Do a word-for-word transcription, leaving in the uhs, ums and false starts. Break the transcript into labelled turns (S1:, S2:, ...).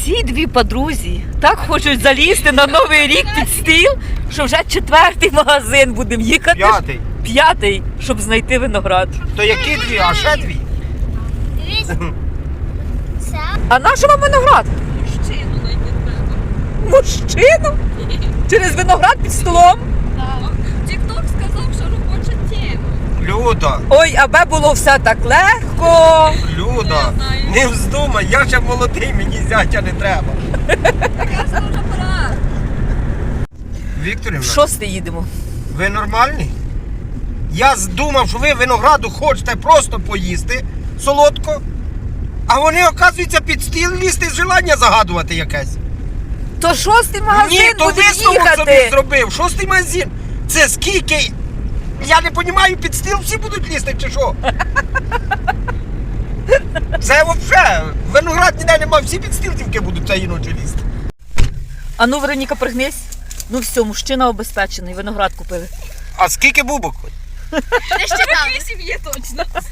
S1: Ці дві подрузі так хочуть залізти на Новий рік під стіл, що вже четвертий магазин будемо їхати.
S2: П'ятий.
S1: П'ятий, щоб знайти виноград.
S2: То які дві, а ще дві?
S1: А на що вам виноград?
S3: Мужчину знайти треба.
S1: Мужчину? Через виноград під столом?
S3: Тік-ток сказав, що робоча тема.
S2: Люда,
S1: Ой, аби було все так легко.
S2: Люда,
S3: Не знаю.
S2: не вздумай, я ще молодий, мені зятя не треба.
S3: Якраз вже пора.
S1: В
S2: Вікторівна,
S1: шостий їдемо.
S2: ви нормальні? Я думав, що ви винограду хочете просто поїсти солодко, а вони, оказується, під стіл лізти з желання загадувати якесь.
S1: То шостий магазин
S2: Ні, то
S1: будемо
S2: висновок собі
S1: їхати.
S2: зробив. Шостий магазин. Це скільки? Я не розумію, під стіл всі будуть лізти чи що? Це взагалі, виноград ніде немає, всі під стіл тільки будуть цієї ночі лізти.
S1: А ну, Вероніка, пригнись. Ну все, мужчина обезпечений, виноград купили.
S2: А скільки бубок?
S3: Не ще там. Вісім є точно.